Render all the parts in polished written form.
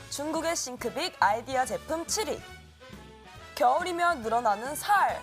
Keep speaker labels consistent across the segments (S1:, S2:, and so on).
S1: 중국의 싱크빅 아이디어 제품 7위. 겨울이면 늘어나는 살.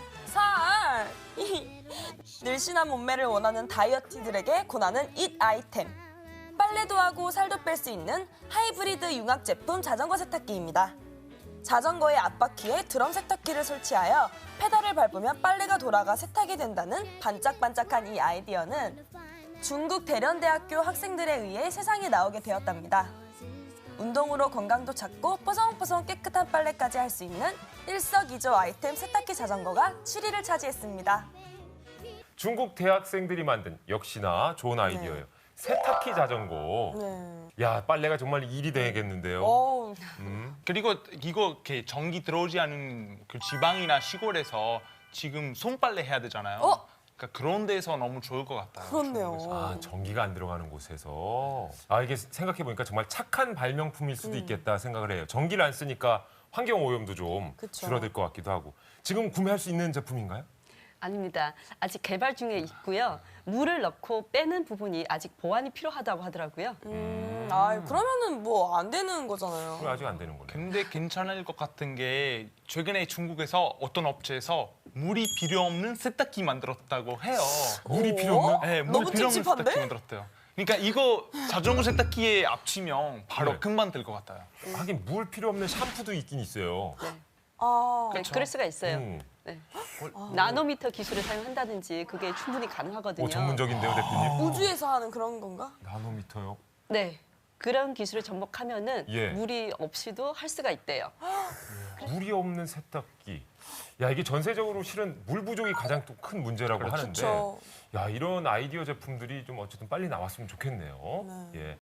S1: 늘씬한 몸매를 원하는 다이어티들에게 권하는 잇 아이템. 빨래도 하고 살도 뺄 수 있는 하이브리드 융합 제품 자전거 세탁기입니다. 자전거의 앞바퀴에 드럼 세탁기를 설치하여 페달을 밟으면 빨래가 돌아가 세탁이 된다는 반짝반짝한 이 아이디어는 중국 대련대학교 학생들에 의해 세상에 나오게 되었답니다. 운동으로 건강도 찾고 뽀송뽀송 깨끗한 빨래까지 할 수 있는 일석이조 아이템 세탁기 자전거가 7위를 차지했습니다.
S2: 중국 대학생들이 만든 역시나 좋은 아이디어예요. 세탁기 자전거.
S1: 네.
S2: 야, 빨래가 정말 일이 되겠는데요.
S1: 어우,
S3: 그리고 이거 이렇게 전기 들어오지 않은 그 지방이나 시골에서 지금 손빨래 해야 되잖아요. 그러니까 그런 데서 너무 좋을 것 같아요.
S1: 그렇네요.
S3: 중국에서.
S2: 아, 전기가 안 들어가는 곳에서. 아, 이게 생각해보니까 정말 착한 발명품일 수도 있겠다 생각을 해요. 전기를 안 쓰니까 환경 오염도 좀
S1: 그쵸.
S2: 줄어들 것 같기도 하고. 지금 구매할 수 있는 제품인가요?
S4: 아닙니다. 아직 개발 중에 있고요. 물을 넣고 빼는 부분이 아직 보완이 필요하다고 하더라고요.
S1: 그러면은 뭐 안 되는 거잖아요.
S2: 그럼 아직 안 되는 거네요.
S3: 근데 괜찮을 것 같은 게 최근에 중국에서 어떤 업체에서 물이 필요 없는 세탁기 만들었다고 해요.
S2: 물이 필요 없는?
S3: 네, 물
S1: 너무
S3: 필요 없는
S1: 찝찝한데?
S3: 세탁기 만들었대요. 그러니까 이거 자전거 세탁기에 합치면 바로
S2: 네.
S3: 금방 될 것 같아요.
S2: 하긴 물 필요 없는 샴푸도 있긴 있어요.
S1: 아,
S4: 네, 그럴 수가 있어요.
S2: 음.
S4: 네. 나노미터 기술을 사용한다든지 그게 충분히 가능하거든요.
S2: 오, 전문적인데요, 대표님?
S1: 우주에서 하는 그런 건가?
S2: 나노미터요?
S4: 네. 그런 기술을 접목하면은
S2: 예.
S4: 물이 없이도 할 수가 있대요.
S2: 물이 없는 세탁기. 야, 이게 전세적으로 실은 물 부족이 가장 또 큰 문제라고 하는데.
S1: 그렇죠.
S2: 야, 이런 아이디어 제품들이 좀 어쨌든 빨리 나왔으면 좋겠네요. 예.